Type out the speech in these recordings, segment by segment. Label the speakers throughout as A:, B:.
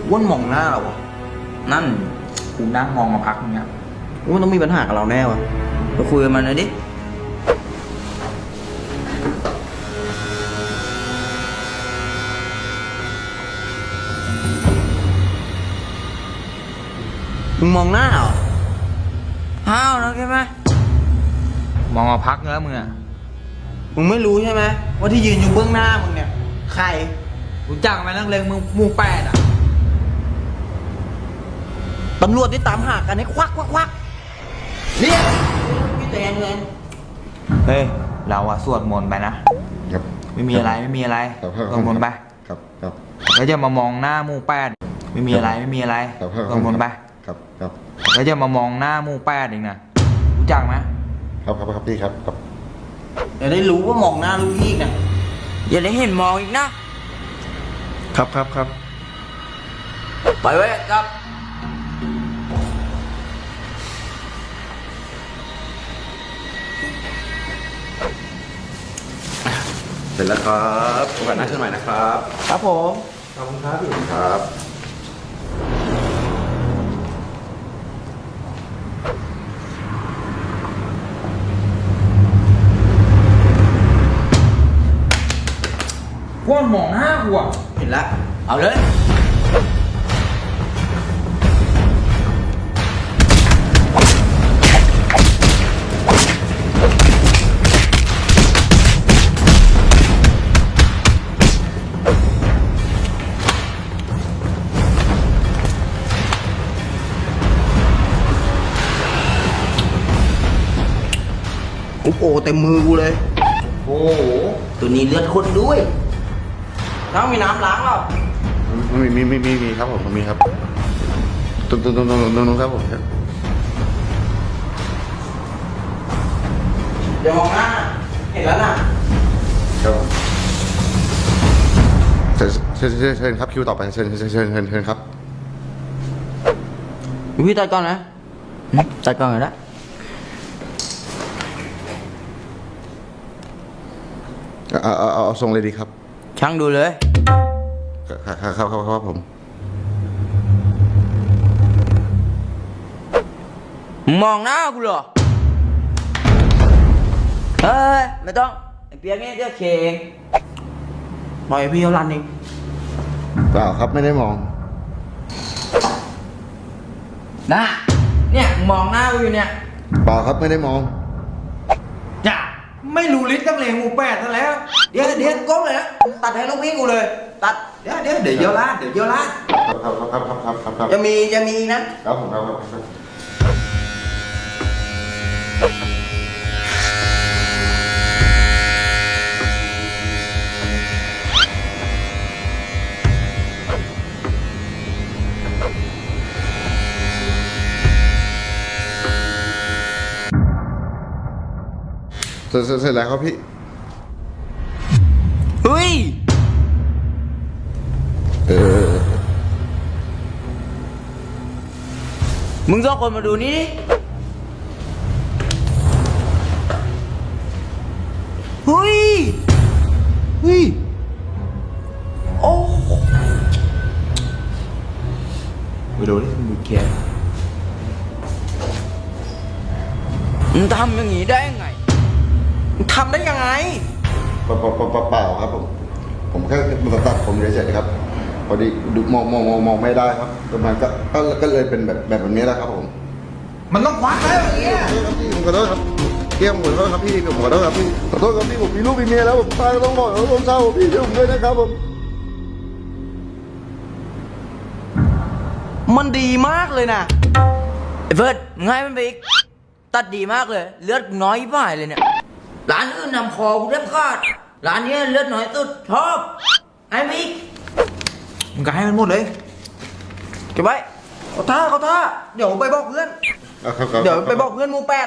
A: อ้วนมองหน้าเราวะ
B: นั่นกูนั่งมองมาพักนึงเนี่ย
A: อ้วนต้องมีปัญหากับเราแน่วะ
B: ไปคุยกับมันหน่อยดิ
A: มึงมองหน้าเหรอ
B: อ้าวนะใช่ไหมมองมาพักแล้วมึงอ่ะ
A: มึงไม่รู้ใช่ไหมว่าที่ยืนอยู่เบื้องหน้ามึงเนี่ยใคร
B: รู้จักไหมนักเลงมึงหมู่8อ่ะ
A: ตำรวจที่ตามหากันให้ควักเรียกพี่แตงเงิน
B: เฮ้ยเราอะสวดมนต์ไปนะครับ ไม่มีอะไรไม่มีอะไร
C: ครับ
B: สวดมนต์ไป
C: ครับครับ
B: แล้วจะมามองหน้าหมู่8ไม่มีอะไรไม่มีอะไร
C: ครับ
B: สวดมนต์ไป
C: ครับครับ
B: แล้วจะมามองหน้าหมู่8อีกนะรู้จักไหม
C: ครับครับพี่ครับครับ
A: เดี๋ยวได้รู้ว่ามองหน้าลูกพี่เนี่ย
B: อย่าได้เห็นมองอีกนะครับ
C: ครับ
B: ไปไว้ครับ
C: เสร็จแล้วครับโอกาสหน้าเชิญใหม่นะครับ
A: ครับผม
C: ขอบคุณครับพี่ครับ
B: ว่ามองหน้ากูอ่ะ
A: เห็นละ
B: เอาเลย
A: โอ้โหเต็มมือกูเลย
B: โอ้โห
A: ตัวนี้เลือดข้นด้วยน้องมีน้ำล้างเปล่า
C: มีครับผมมีครับตรงครับผมครับ
A: เดี๋ยวมองหน้า เห็นแล้วน่ะ
C: ครับเชิญครับคิวต่อไปเชิญครับ
A: พี่ตัดก่อนนะตัดก่อนเลยนะ
C: เอาทรงเลยดีครับ
B: ช่างดูเลย
C: ครับผม
B: มองหน้ากูเหรอ เฮ้ย ไม่ต้อง ไอ้เปียกนี่เดี๋ยวเคเอง
A: ปล่อยพี่เขารันเอง
C: เปล่าครับไม่ได้มอง
B: นะเนี่ยมองหน้ากูอยู่เนี่ย
C: เปล่าครับไม่ได้มอง
A: จ้ะไม่รู้ลิสต์ตั้งเลงหมู่8ซะแล้ว เดี๋ยวก้มเลยนะตัดให้ลูกพี่กูเลย ตัด เดี๋ยวเยอะลาด
C: ครับ
A: จะมีอีกนะ
C: ครับผมครับเสร็จแล้วครับพี่
B: เฮ้ย มึงสองคนมาดูนี่ดิ
A: เฮ้ย โอ้
B: ไปดูดิมึงเกียร์มึงทำอย่างนี้ได้ยังไง
A: ทำได้ยังไง
C: เปล่าครับผมแค่ตัดผมเฉยๆครับพอดีดูมองไม่ได้ครับประมาณก็เลยเป็นแบบนี้แหละครับผม
A: มันต้องควักแล้วอย่างเงี้ย
C: ผมขอโทษครับเกี่ยมขอโทษครับพี่ผมขอโทษครับพี่ขอโทษครับพี่ผมมีลูกมีเมียแล้วผมตายต้องบอกต้องเศร้าพี่ช่วยผมด้วยนะครับผม
A: มันดีมากเลยนะ
B: ไอ้เฟิร์สมึงให้มันไปอีก ตัดดีมากเลย เลือดน้อยป่ายเลยเนี่ย ร้านอื่นนำคอกูแทบขาด ร้านนี้เลือดน้อยสุดชอบให้มันอีก
A: มึงก็ให้มันหมดเลยเก็บไว้เขาท่าเดี๋ยวไปบอกเพื่อน เดี๋ยวไปบอกเพื่อนหมู่8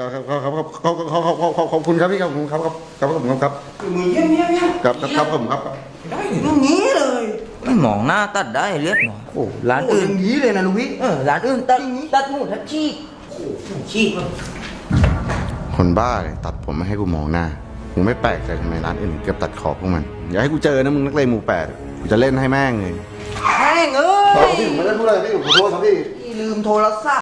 C: ขอบคุณครับพี่ครับผมครับครับ
A: มือเยี่ยม
C: ครับผมครับ
A: ได้อย่างนี้เลย
B: ไม่มองหน้าตัดได้เลือดน้อยโอ้ร้าน
A: โอ้
B: อื่
A: อน ย่างนี้เลยนะลูกพี่
B: ร้านอื่นตัดหมูทัดชีกชีกมัน
C: คนบ้าเลยตัดผมไม่ให้กูมองหน้ากูไม่แปลกใจทำไมร้านอื่นเกือบตัดขอบพวกมันอย่าให้กูเจอนะมึงนักเลงหมู่8กูจะเล่นให้แม่งเลย
A: แม่งเอ้
C: พี่ผมไม่ได้พูดอะไรพี่ผมขอโทษครับพี่
A: พี่ลืมโทรศัพท์